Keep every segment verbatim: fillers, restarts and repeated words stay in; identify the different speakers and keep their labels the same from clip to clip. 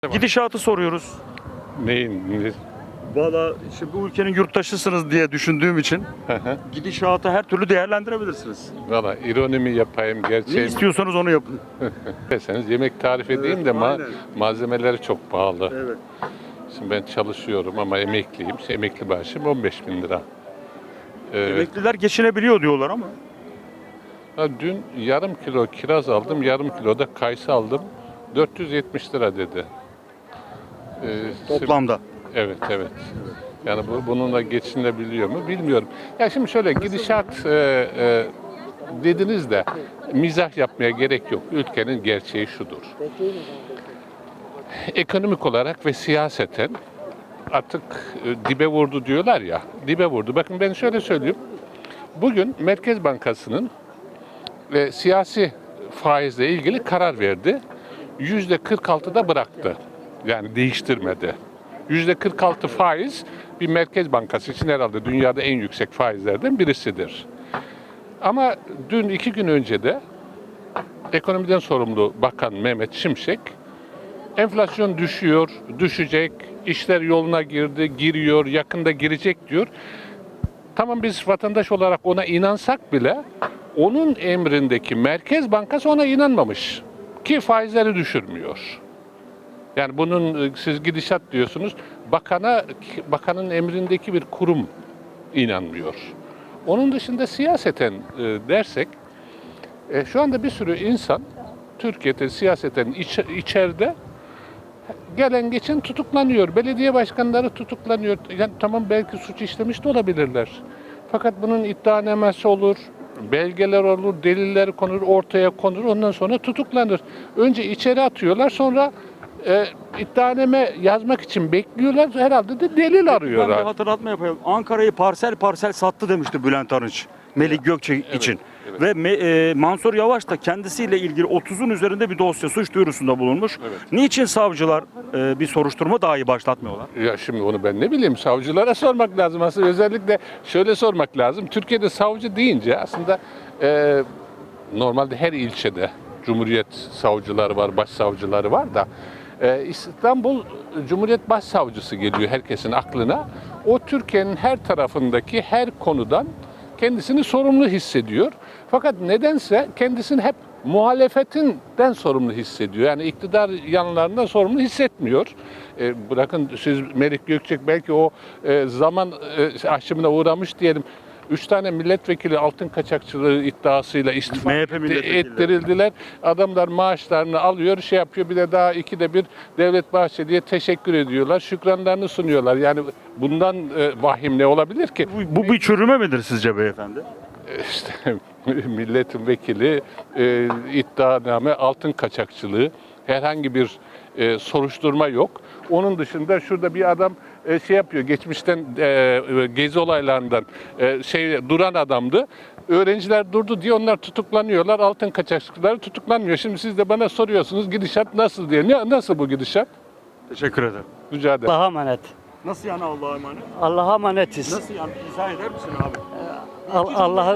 Speaker 1: Gidişatı soruyoruz.
Speaker 2: Neyin? Ne?
Speaker 1: Valla işte bu ülkenin yurttaşısınız diye düşündüğüm için gidişatı her türlü değerlendirebilirsiniz.
Speaker 2: Valla ironi mi yapayım,
Speaker 1: Ne
Speaker 2: gerçeği mi
Speaker 1: istiyorsanız onu yapın.
Speaker 2: deseniz yemek tarif edeyim
Speaker 1: Evet,
Speaker 2: de ma-
Speaker 1: aynen.
Speaker 2: malzemeleri çok pahalı.
Speaker 1: Evet.
Speaker 2: Şimdi ben çalışıyorum ama emekliyim. İşte emekli maaşım on beş bin lira. Ee,
Speaker 1: Emekliler geçinebiliyor diyorlar ama.
Speaker 2: ha, dün yarım kilo kiraz aldım, yarım kilo da kayısı aldım. dört yüz yetmiş lira dedi. Ee,
Speaker 1: Toplamda.
Speaker 2: Evet, evet. Yani bu, bununla geçinebiliyor mu bilmiyorum. Ya şimdi şöyle gidişat e, e, dediniz de mizah yapmaya gerek yok. Ülkenin gerçeği şudur. Ekonomik olarak ve siyaseten artık e, dibe vurdu diyorlar ya. Dibe vurdu. Bakın ben şöyle söyleyeyim. Bugün Merkez Bankası'nın e, siyasi faizle ilgili karar verdi. yüzde kırk altıda bıraktı. Yani değiştirmedi. yüzde kırk altı faiz bir merkez bankası için herhalde dünyada en yüksek faizlerden birisidir. Ama dün iki gün önce de ekonomiden sorumlu Bakan Mehmet Şimşek enflasyon düşüyor, düşecek, işler yoluna girdi, giriyor, yakında girecek diyor. Tamam biz vatandaş olarak ona inansak bile onun emrindeki Merkez Bankası ona inanmamış ki faizleri düşürmüyor. Yani bunun siz gidişat diyorsunuz. Bakana bakanın emrindeki bir kurum inanmıyor. Onun dışında siyaseten e, dersek e, şu anda bir sürü insan Türkiye'de siyaseten iç, içeride gelen geçen tutuklanıyor. Belediye başkanları tutuklanıyor. Yani tamam belki suç işlemiş de olabilirler. Fakat bunun iddianamesi olur, belgeler olur, deliller konur, ortaya konur. Ondan sonra tutuklanır. Önce içeri atıyorlar, sonra e, iddianame yazmak için bekliyorlar. Herhalde de delil
Speaker 1: Ben bir
Speaker 2: arıyorlar.
Speaker 1: hatırlatma yapayım. Ankara'yı parsel parsel sattı demişti Bülent Arınç. Melik Gökçe için.
Speaker 2: evet.
Speaker 1: Ve Me- e, Mansur Yavaş da kendisiyle ilgili otuzun üzerinde bir dosya suç duyurusunda bulunmuş.
Speaker 2: Evet.
Speaker 1: Niçin savcılar e, bir soruşturma dahi başlatmıyorlar?
Speaker 2: Ya şimdi onu ben ne bileyim, savcılara sormak lazım aslında. Özellikle şöyle sormak lazım. Türkiye'de savcı deyince aslında e, normalde her ilçede Cumhuriyet savcıları var, başsavcıları var da e, İstanbul Cumhuriyet Başsavcısı geliyor herkesin aklına. O Türkiye'nin her tarafındaki her konudan kendisini sorumlu hissediyor. Fakat nedense kendisini hep muhalefetinden sorumlu hissediyor. Yani iktidar yanlarından sorumlu hissetmiyor. E, bırakın siz Melik Gökçek belki o e, zaman e, aşımına uğramış diyelim. Üç tane milletvekili altın kaçakçılığı iddiasıyla istifa
Speaker 1: M H P milletvekilleri.
Speaker 2: ettirildiler. Adamlar maaşlarını alıyor, şey yapıyor. Bir de daha ikide bir Devlet Bahçeli'ye teşekkür ediyorlar. Şükranlarını sunuyorlar. Yani bundan e, vahim ne olabilir ki?
Speaker 1: Bu, bu bir çürüme midir sizce beyefendi?
Speaker 2: İşte milletin vekili, e, iddianame, altın kaçakçılığı, herhangi bir e, soruşturma yok. Onun dışında şurada bir adam e, şey yapıyor, geçmişten e, gezi olaylarından e, şey duran adamdı. Öğrenciler durdu diye onlar tutuklanıyorlar, altın kaçakçıları tutuklanmıyor. Şimdi siz de bana soruyorsunuz gidişat nasıl diye. Ne, nasıl bu gidişat?
Speaker 1: Teşekkür ederim.
Speaker 2: Rica ederim.
Speaker 3: Allah'a emanet.
Speaker 1: Nasıl yani Allah'a emanet?
Speaker 3: Allah'a emanetiz.
Speaker 1: Nasıl yani? İzah eder misin abi?
Speaker 3: Al- Allah'ın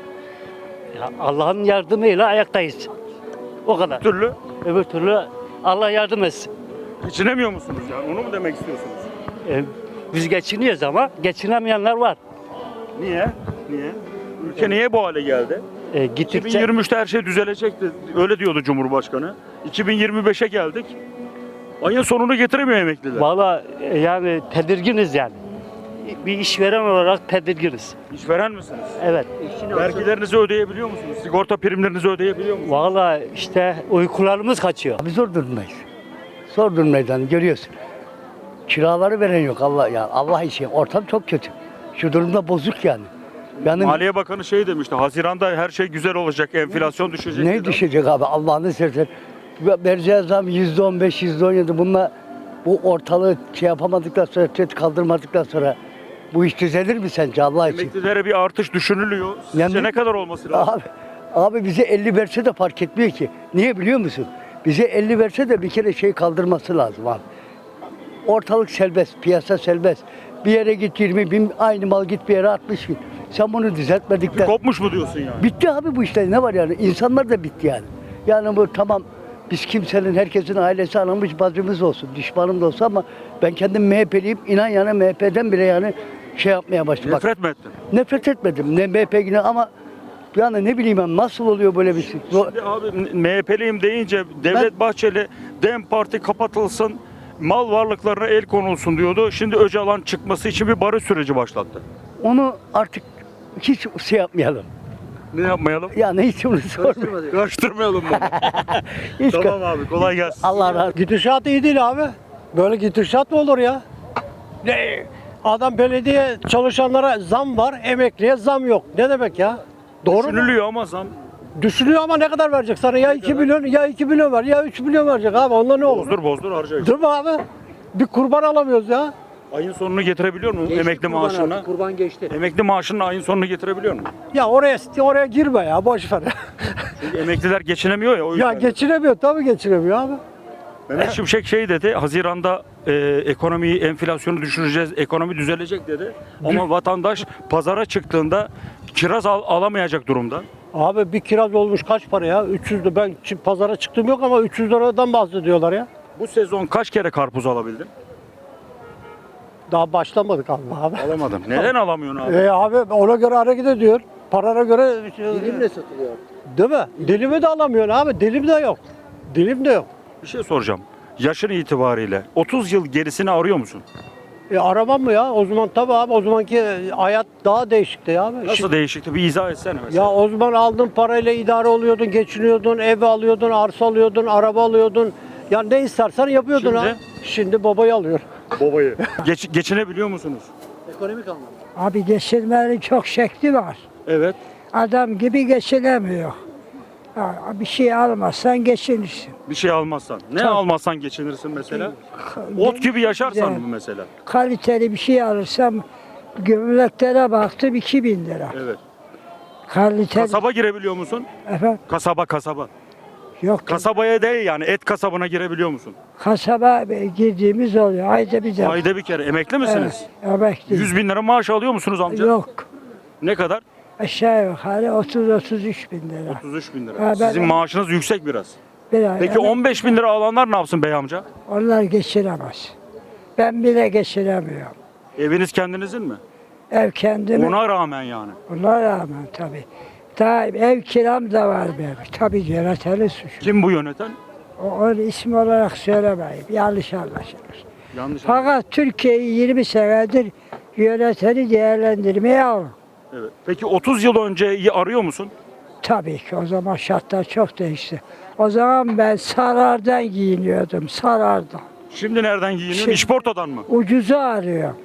Speaker 3: Ya Allah'ın yardımıyla ayaktayız. O kadar.
Speaker 1: Bir türlü
Speaker 3: Öbür türlü Allah yardım etsin.
Speaker 1: geçinemiyor musunuz yani? Onu mu demek istiyorsunuz?
Speaker 3: Ee, biz geçiniyoruz ama geçinemeyenler var.
Speaker 1: Niye? Niye? Ülke niye bu hale geldi?
Speaker 3: Ee, gittikçe
Speaker 1: iki bin yirmi üçte her şey düzelecekti. Öyle diyordu Cumhurbaşkanı. iki bin yirmi beşe geldik. Ayın sonunu getiremiyor emekliler.
Speaker 3: valla e, yani tedirginiz yani. Bir işveren olarak tedirginiz.
Speaker 1: İşveren misiniz?
Speaker 3: Evet.
Speaker 1: Vergilerinizi ödeyebiliyor musunuz? Sigorta primlerinizi ödeyebiliyor musunuz?
Speaker 3: Valla işte uykularımız kaçıyor.
Speaker 4: Biz zor durumdayız. Zor durumdayız hani görüyorsun. Kiraları veren yok Allah ya. Allah için ortam çok kötü. Şu durumda bozuk yani. Yani
Speaker 1: Maliye Bakanı şey demişti. Haziran'da her şey güzel olacak, enflasyon düşecek.
Speaker 4: ne
Speaker 1: dedi.
Speaker 4: düşecek abi Allah'ını seversen. Vereceği zam yüzde on beş, yüzde on yedi. Bununla bu ortalığı şey yapamadıktan sonra, tet kaldırmadıktan sonra bu iş düzelir mi sence Allah için?
Speaker 1: Emeklilere bir artış düşünülüyor. Sizce
Speaker 4: Yani-
Speaker 1: ne kadar olması lazım?
Speaker 4: Abi, abi bize elli verse de fark etmiyor ki. Niye biliyor musun? Bize elli verse de bir kere şey kaldırması lazım abi. Ortalık serbest, piyasa serbest. Bir yere git yirmi bin, aynı mal git bir yere altmış bin. Sen bunu düzeltmedikten...
Speaker 1: Kopmuş mu diyorsun yani?
Speaker 4: Bitti abi bu işler, ne var yani? İnsanlar da bitti yani. Yani bu tamam Biz kimsenin, herkesin ailesi anamız bacımız olsun, düşmanım da olsa ama ben kendim M H P'liyim. İnan yani M H P'den bile yani şey yapmaya başladım. Bak,
Speaker 1: Nefret mi ettin?
Speaker 4: nefret etmedim. Ne M H P yine ama yani ne bileyim ben nasıl oluyor böyle bir şey. Bu-
Speaker 1: Şimdi abi M H P'liyim deyince Devlet Bahçeli DEM Parti kapatılsın, mal varlıklarına el konulsun diyordu. Şimdi Öcalan çıkması için bir barış süreci başlattı.
Speaker 4: Onu artık hiç şey yapmayalım.
Speaker 1: Ne yapmayalım?
Speaker 4: Yani hiç onu sormayalım.
Speaker 1: Karıştırmayalım bunu.
Speaker 4: Hiç
Speaker 1: Tamam abi, kolay gelsin.
Speaker 4: Allah razı olsun.
Speaker 5: Gidişat iyi değil abi. Böyle gidişat mı olur ya? Ne? Adam belediye çalışanlara zam var, emekliye zam yok. Ne demek ya? Doğru mu?
Speaker 1: Düşünülüyor ama zam
Speaker 5: Düşünüyor ama ne kadar verecek sana? Ya iki milyon, ya iki milyon var, ya üç milyon verecek abi. Onda ne olur?
Speaker 1: bozdur bozdur harcayacak.
Speaker 5: Dur mu abi? Bir kurban alamıyoruz ya.
Speaker 1: Ayın sonunu getirebiliyor mu emekli maaşına?
Speaker 6: Kurban geçti.
Speaker 1: Emekli maaşının ayın sonunu getirebiliyor mu?
Speaker 5: Ya oraya oraya girme ya, boş ver.
Speaker 1: Çünkü emekliler geçinemiyor ya o
Speaker 5: Ya
Speaker 1: yüzden.
Speaker 5: geçinemiyor, tabii geçinemiyor abi.
Speaker 1: Mehmet Şimşek şey dedi, Haziran'da e, ekonomiyi, enflasyonu düşüreceğiz, ekonomi düzelecek dedi. Ama vatandaş pazara çıktığında kiraz al- alamayacak durumda.
Speaker 5: Abi bir kiraz olmuş kaç para ya? üç yüz lira. Ben çi- pazara çıktım yok ama üç yüz liradan bahsediyorlar ya.
Speaker 1: Bu sezon kaç kere karpuz alabildin?
Speaker 5: Daha başlamadık abi. abi.
Speaker 1: Alamadım. Neden alamıyorsun abi?
Speaker 5: E abi ona göre hareket ediyor. Parana göre
Speaker 6: Dilimle satılıyor.
Speaker 5: değil mi? Dilimi de alamıyorsun abi. Dilim de yok. Dilim de yok.
Speaker 1: Bir şey soracağım. Yaşın itibariyle otuz yıl gerisini arıyor musun?
Speaker 5: E aramam mı ya? O zaman tabii abi o zamanki hayat daha değişikti ya abi.
Speaker 1: Nasıl
Speaker 5: Şimdi-
Speaker 1: değişikti? Bir izah etsene mesela.
Speaker 5: ya o zaman aldığın parayla idare oluyordun, geçiniyordun, ev alıyordun, arsa alıyordun, araba alıyordun. Ya ne istersen yapıyordun
Speaker 1: Şimdi?
Speaker 5: ha. Şimdi babayı alıyor.
Speaker 1: Babayı. Geç, geçinebiliyor musunuz?
Speaker 6: Ekonomik anlamda.
Speaker 7: Abi geçirmenin çok şekli var.
Speaker 1: Evet.
Speaker 7: Adam gibi geçinemiyor. Ha, bir şey almazsan geçinirsin.
Speaker 1: Bir şey almazsan. Ne
Speaker 7: Tabii.
Speaker 1: almazsan geçinirsin mesela? Ot gibi yaşarsan mı mesela?
Speaker 7: Kaliteli bir şey alırsam gömleklere baktım iki bin lira.
Speaker 1: Evet.
Speaker 7: Kaliteli.
Speaker 1: Kasaba girebiliyor musun?
Speaker 7: Efendim?
Speaker 1: Kasaba kasaba.
Speaker 7: Yok.
Speaker 1: Kasabaya değil yani et kasabına girebiliyor musun?
Speaker 7: Kasaba girdiğimiz oluyor. Ayda bir defa.
Speaker 1: Ayda bir kere. Emekli misiniz?
Speaker 7: Evet, emekli.
Speaker 1: yüz bin lira maaş alıyor musunuz amca?
Speaker 7: Yok.
Speaker 1: Ne kadar?
Speaker 7: Aşağı yukarı otuz otuz üç bin lira.
Speaker 1: otuz üç bin lira.
Speaker 7: Ha, ben-
Speaker 1: Sizin maaşınız yüksek biraz.
Speaker 7: Bir ay.
Speaker 1: Peki
Speaker 7: Evet,
Speaker 1: on beş bin lira alanlar ne yapsın bey amca?
Speaker 7: onlar geçiremez. Ben bile geçiremiyorum.
Speaker 1: Eviniz kendinizin mi?
Speaker 7: Ev kendime.
Speaker 1: Ona rağmen yani.
Speaker 7: Ona rağmen tabii. Daha ev kiram da var benim. Tabii yöneteni suçu.
Speaker 1: Kim bu yöneten?
Speaker 7: O, onu isim olarak söylemeyeyim. Yanlış anlaşılır.
Speaker 1: Yanlış.
Speaker 7: Fakat Türkiye'yi yirmi senedir yöneteni değerlendirmeye alın.
Speaker 1: Evet. Peki otuz yıl önceyi arıyor musun?
Speaker 7: Tabii ki o zaman şartlar çok değişti. O zaman ben sarardan giyiniyordum. Sarardan.
Speaker 1: Şimdi nereden giyiniyorsun?
Speaker 7: Şimdi-
Speaker 1: İşportadan mı?
Speaker 7: Ucuzu arıyorum.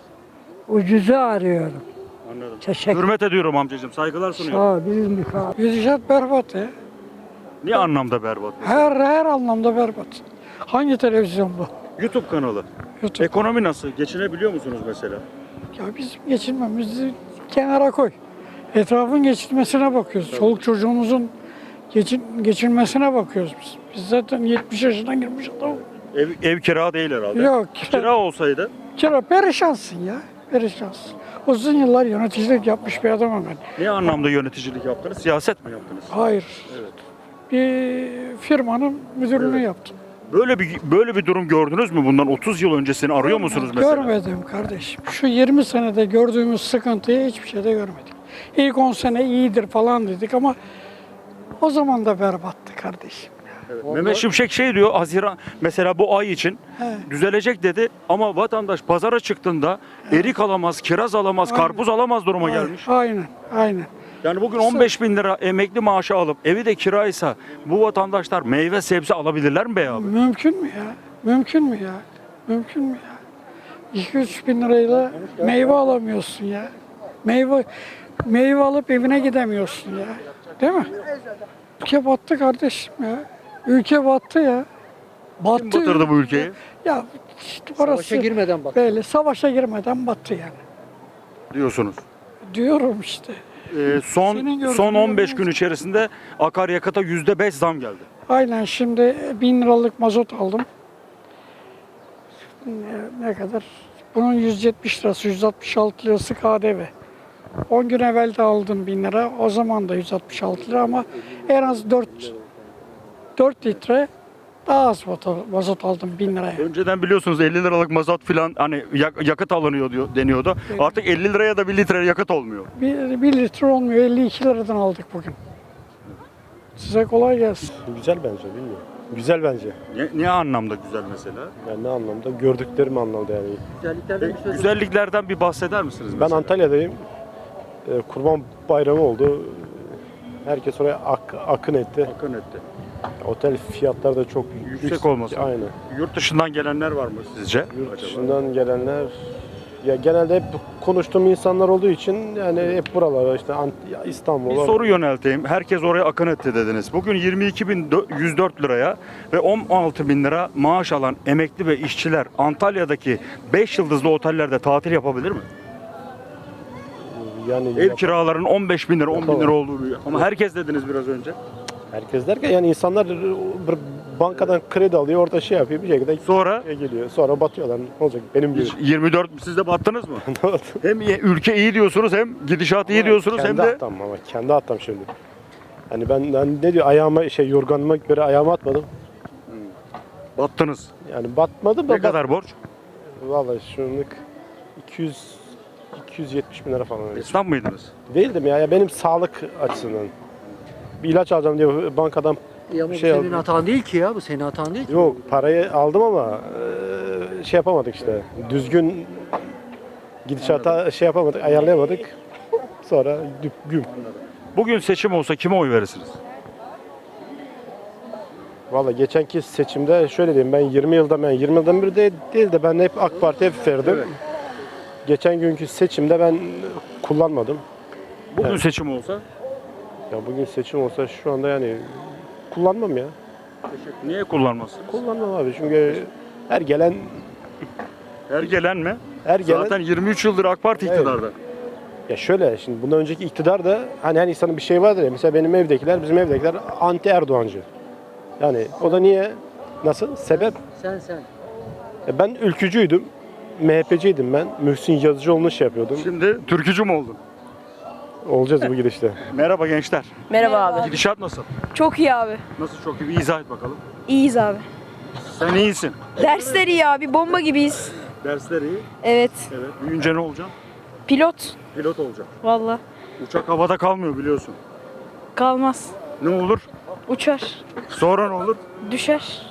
Speaker 7: Ucuzu arıyorum.
Speaker 1: Anladım.
Speaker 7: Teşekkür
Speaker 1: Hürmet ediyorum amcacığım. Saygılar
Speaker 7: Sağ
Speaker 1: sunuyorum.
Speaker 7: ol. Bilmiyorum abi.
Speaker 8: Gidişat berbat ya.
Speaker 1: Ne anlamda berbat?
Speaker 8: Her her anlamda berbat. Hangi televizyon bu?
Speaker 1: YouTube kanalı.
Speaker 8: YouTube.
Speaker 1: Ekonomi nasıl? Geçinebiliyor musunuz mesela?
Speaker 8: Ya bizim geçinmemizi kenara koy. Etrafın geçinmesine bakıyoruz. Çoluk çocuğumuzun geçin, geçinmesine bakıyoruz biz. Biz zaten yetmiş yaşına girmiş adam.
Speaker 1: Ev, ev kira değil herhalde.
Speaker 8: Yok.
Speaker 1: Kira olsaydı
Speaker 8: Kira perişansın ya. Perişansın. Uzun yıllar yöneticilik yapmış bir adamım ben.
Speaker 1: ne anlamda yöneticilik yaptınız? Siyaset mi yaptınız?
Speaker 8: Hayır.
Speaker 1: Evet.
Speaker 8: Bir firmanın müdürlüğünü yaptım.
Speaker 1: Böyle bir böyle bir durum gördünüz mü? Bundan otuz yıl öncesini arıyor musunuz mesela?
Speaker 8: Görmedim kardeşim. Şu yirmi senede gördüğümüz sıkıntıyı hiçbir şeyde görmedik. İlk on sene iyidir falan dedik ama o zaman da berbattı kardeşim.
Speaker 1: Evet. Mehmet Şimşek şey diyor, Haziran mesela bu ay için
Speaker 8: He.
Speaker 1: düzelecek dedi ama vatandaş pazara çıktığında erik alamaz, kiraz alamaz,
Speaker 8: Aynen.
Speaker 1: karpuz alamaz duruma gelmiş.
Speaker 8: Aynen, aynen.
Speaker 1: Yani bugün on beş bin lira emekli maaşı alıp evi de kiraysa bu vatandaşlar meyve sebze alabilirler mi bey abi?
Speaker 8: Mümkün mü ya? Mümkün mü ya? Mümkün mü ya? iki üç bin lirayla meyve alamıyorsun ya. Meyve meyve alıp evine gidemiyorsun ya. Değil mi? Ülke battı kardeşim ya. Ülke battı ya. Battı.
Speaker 1: Kim batırdı bu ülkeyi?
Speaker 8: Ya işte orası
Speaker 6: Savaşa girmeden bak.
Speaker 8: böyle savaşa girmeden battı yani.
Speaker 1: Diyorsunuz.
Speaker 8: Diyorum işte.
Speaker 1: Ee, son
Speaker 8: Senin gördüğün
Speaker 1: son on beş
Speaker 8: yerine-
Speaker 1: gün içerisinde akaryakıta yüzde beş zam geldi.
Speaker 8: Aynen şimdi bin liralık mazot aldım. Ne, ne kadar? Bunun yüz yetmiş lirası, yüz altmış altı lirası K D V. on gün evvel de aldım bin lira. O zaman da yüz altmış altı lira ama en az dört dört litre Daha az mazot mazot aldım bin liraya.
Speaker 1: Önceden biliyorsunuz elli liralık mazot filan hani yak- yakıt alınıyor diyor, deniyordu. Artık elli liraya da bir litre yakıt olmuyor.
Speaker 8: Bir, bir litre olmuyor, elli iki liradan aldık bugün. Size kolay gelsin.
Speaker 9: Güzel bence, bilmiyorum. Güzel bence.
Speaker 1: Ne, ne anlamda güzel mesela?
Speaker 9: Yani ne anlamda? Gördüklerim anlamda yani.
Speaker 6: Güzelliklerden bir söz
Speaker 1: Güzelliklerden bir bahseder misiniz?
Speaker 9: Ben
Speaker 1: mesela?
Speaker 9: Antalya'dayım. Ee, Kurban Bayramı oldu. Herkes oraya ak- akın etti.
Speaker 1: Akın etti.
Speaker 9: Otel fiyatları da çok
Speaker 1: Yüksek olmasın.
Speaker 9: Aynen.
Speaker 1: Yurt dışından gelenler var mı sizce?
Speaker 9: Yurt
Speaker 1: acaba?
Speaker 9: dışından gelenler ya genelde hep konuştuğum insanlar olduğu için yani hep buralara işte Ant-
Speaker 1: Bir
Speaker 9: İstanbul'a.
Speaker 1: soru yönelteyim. Herkes oraya akın etti dediniz. Bugün yirmi iki bin yüz dört liraya ve on altı bin lira maaş alan emekli ve işçiler Antalya'daki beş yıldızlı otellerde tatil yapabilir mi?
Speaker 9: Yani
Speaker 1: Ev
Speaker 9: yap-
Speaker 1: kiralarının on beş bin lira, on bin
Speaker 9: Yapamam.
Speaker 1: lira olduğu biliyor. Ama herkes dediniz biraz önce.
Speaker 9: herkes derken yani insanlar bir bankadan kredi alıyor, orada şey yapıyor bir şekilde
Speaker 1: Sonra
Speaker 9: şey geliyor. Sonra batıyorlar. Ne olacak? Benim gibi.
Speaker 1: yirmi dört siz de battınız mı? Hem ülke iyi diyorsunuz hem gidişat iyi diyorsunuz
Speaker 9: kendi
Speaker 1: hem de
Speaker 9: hatam ama kendi hatam şimdi. Hani ben hani ne diyor ayağıma şey yorganıma göre ayağıma atmadım.
Speaker 1: battınız.
Speaker 9: Yani batmadım da
Speaker 1: Ne kadar borç?
Speaker 9: Vallahi şunluk iki yüz iki yüz yetmiş bin lira falan. öyle.
Speaker 1: Esnaf mıydınız?
Speaker 9: Değildim ya, ya benim sağlık açısından. Bir ilaç alacağım diye bankadan
Speaker 6: Ya ama bu
Speaker 9: şey
Speaker 6: senin
Speaker 9: aldım.
Speaker 6: hatan değil ki ya. Bu senin hatan değil ki.
Speaker 9: Yok parayı aldım ama eee, şey yapamadık işte. Düzgün gidişata şey yapamadık, ayarlayamadık. Sonra düp güm.
Speaker 1: Bugün seçim olsa kime oy verirsiniz?
Speaker 9: Valla geçenki seçimde şöyle diyeyim, ben yirmi yılda ben yirmi yıldan beri de, değil de ben hep AK Parti'ye verdim. Geçen günkü seçimde ben kullanmadım.
Speaker 1: Bugün
Speaker 9: Evet.
Speaker 1: seçim olsa
Speaker 9: Ya bugün seçim olsa şu anda yani kullanmam ya.
Speaker 1: niye kullanmazsınız?
Speaker 9: Kullanmam abi çünkü her gelen
Speaker 1: Her gelen mi?
Speaker 9: her gelen
Speaker 1: Zaten yirmi üç yıldır AK Parti
Speaker 9: Evet.
Speaker 1: iktidarda.
Speaker 9: ya şöyle şimdi bundan önceki iktidar da hani her insanın bir şey vardır ya, mesela benim evdekiler bizim evdekiler anti Erdoğancı. Yani o da niye? Nasıl? Sebep?
Speaker 6: Sen sen.
Speaker 9: E ben ülkücüydüm. M H P'ciydim ben. Mühsin Yazıcıoğlu'nu şey yapıyordum.
Speaker 1: Şimdi türkücü mü oldun?
Speaker 9: Olacağız bu gidişte.
Speaker 1: Merhaba gençler.
Speaker 10: Merhaba abi.
Speaker 1: Gidişat nasıl?
Speaker 10: Çok iyi abi.
Speaker 1: Nasıl çok iyi? Bir izah et bakalım.
Speaker 10: İyiyiz abi.
Speaker 1: Sen iyisin.
Speaker 10: Dersler iyi abi. Bomba gibiyiz.
Speaker 1: Dersler iyi.
Speaker 10: Evet.
Speaker 1: Evet. Büyüyünce ne olacaksın?
Speaker 10: Pilot.
Speaker 1: Pilot olacaksın.
Speaker 10: Valla.
Speaker 1: Uçak havada kalmıyor biliyorsun.
Speaker 10: Kalmaz.
Speaker 1: Ne olur?
Speaker 10: Uçar.
Speaker 1: Sonra ne olur?
Speaker 10: Düşer.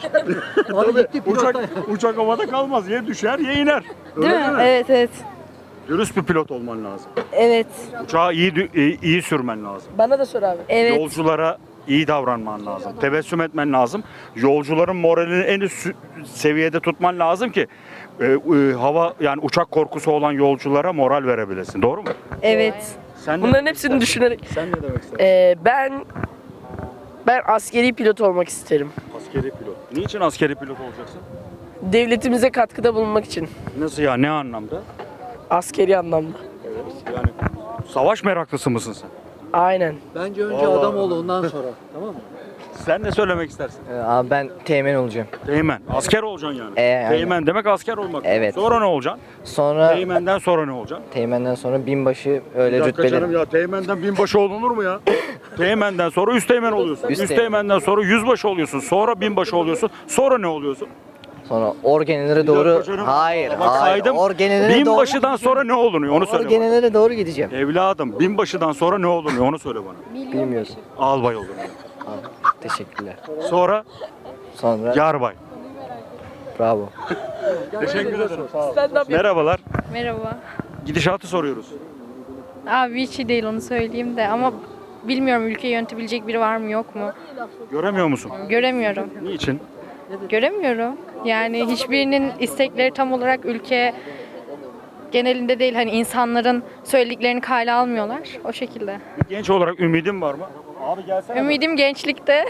Speaker 6: Abi gitti
Speaker 1: Uçak,
Speaker 6: pilotlar.
Speaker 1: uçak havada kalmaz. Ya düşer ya iner. Öyle
Speaker 10: Değil mi? Evet evet.
Speaker 1: Dürüst bir pilot olman lazım.
Speaker 10: Evet.
Speaker 1: Uçağı iyi dü- iyi, iyi sürmen lazım.
Speaker 10: Bana da sor abi. Evet.
Speaker 1: Yolculara iyi davranman lazım. Tebessüm etmen lazım. Yolcuların moralini en üst sü- seviyede tutman lazım ki e, e, hava yani uçak korkusu olan yolculara moral verebilesin. Doğru mu?
Speaker 10: Evet.
Speaker 1: Sen ne-
Speaker 10: Bunların hepsini düşünerek.
Speaker 1: Sen ne demek istersin?
Speaker 10: Ee, ben ben askeri pilot olmak isterim.
Speaker 1: Askeri pilot. Niçin askeri pilot olacaksın?
Speaker 10: Devletimize katkıda bulunmak için.
Speaker 1: Nasıl ya? Ne anlamda?
Speaker 10: Askeri anlamda.
Speaker 1: Evet. Yani savaş meraklısı mısın sen?
Speaker 10: Aynen.
Speaker 6: Bence önce
Speaker 1: Vallahi.
Speaker 6: adam ol ondan sonra. Tamam mı?
Speaker 1: Sen ne söylemek istersin?
Speaker 11: Abi ben teğmen olacağım.
Speaker 1: Teğmen. Asker olacaksın yani.
Speaker 11: Ee, aynen.
Speaker 1: Teğmen demek asker olmak.
Speaker 11: Evet.
Speaker 1: Sonra ne olacaksın?
Speaker 11: Sonra
Speaker 1: Teğmenden sonra ne olacaksın?
Speaker 11: teğmenden sonra binbaşı öyle
Speaker 1: Bir dakika
Speaker 11: rütbeli.
Speaker 1: canım ya teğmenden binbaşı olunur mu ya? Teğmenden sonra üst teğmen oluyorsun.
Speaker 11: Üst
Speaker 1: Üst,
Speaker 11: teğmen.
Speaker 1: teğmenden sonra yüzbaşı oluyorsun. Sonra binbaşı oluyorsun. Sonra ne oluyorsun?
Speaker 11: Sonra orgenelere
Speaker 1: Bir dakika
Speaker 11: doğru.
Speaker 1: canım.
Speaker 11: Hayır,
Speaker 1: Bak
Speaker 11: hayır.
Speaker 1: saydım.
Speaker 11: Orgenelere
Speaker 1: Binbaşıdan
Speaker 11: doğru.
Speaker 1: sonra ne olunuyor onu söyle bana.
Speaker 11: Orgenelere doğru gideceğim.
Speaker 1: Evladım binbaşıdan sonra ne olunuyor onu söyle bana.
Speaker 11: Bilmiyorum.
Speaker 1: Albay olunuyor.
Speaker 11: Abi, teşekkürler.
Speaker 1: Sonra
Speaker 11: Sonra
Speaker 1: yarbay.
Speaker 11: bravo.
Speaker 1: Teşekkür ederim. Merhabalar.
Speaker 12: Merhaba.
Speaker 1: Gidişatı soruyoruz.
Speaker 12: Abi hiç iyi değil onu söyleyeyim de ama bilmiyorum ülkeyi yönetebilecek biri var mı yok mu?
Speaker 1: Göremiyor musun?
Speaker 12: Göremiyorum.
Speaker 1: Niçin?
Speaker 12: Göremiyorum. Yani hiçbirinin istekleri tam olarak ülke genelinde değil hani insanların söylediklerini kale almıyorlar o şekilde.
Speaker 1: Bir genç olarak ümidin var mı? Abi gelsene.
Speaker 12: Ümidim gençlikte.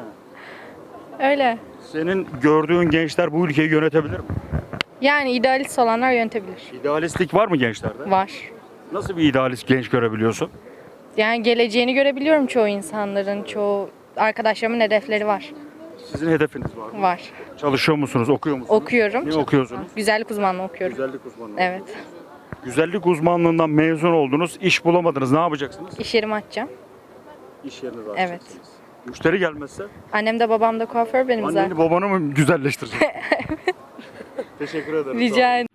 Speaker 12: Öyle.
Speaker 1: Senin gördüğün gençler bu ülkeyi yönetebilir mi?
Speaker 12: Yani idealist olanlar yönetebilir.
Speaker 1: İdealistlik var mı gençlerde?
Speaker 12: Var.
Speaker 1: Nasıl bir idealist genç görebiliyorsun?
Speaker 12: Yani geleceğini görebiliyorum çoğu insanların, çoğu arkadaşlarımın hedefleri var.
Speaker 1: Sizin hedefiniz var mı?
Speaker 12: Var.
Speaker 1: Çalışıyor musunuz, okuyor musunuz?
Speaker 12: Okuyorum.
Speaker 1: Ne okuyorsunuz?
Speaker 12: Güzellik uzmanlığı okuyorum.
Speaker 1: Güzellik uzmanlığı.
Speaker 12: Evet.
Speaker 1: Güzellik uzmanlığından mezun oldunuz, iş bulamadınız. Ne yapacaksınız?
Speaker 12: İş yerimi açacağım.
Speaker 1: İş yerinizi
Speaker 12: Evet.
Speaker 1: açacaksınız. Müşteri gelmezse?
Speaker 12: Annem de babam da kuaför benim zaten.
Speaker 1: Anneni babanı mı güzelleştirecek? Teşekkür ederim.
Speaker 12: Rica ederim.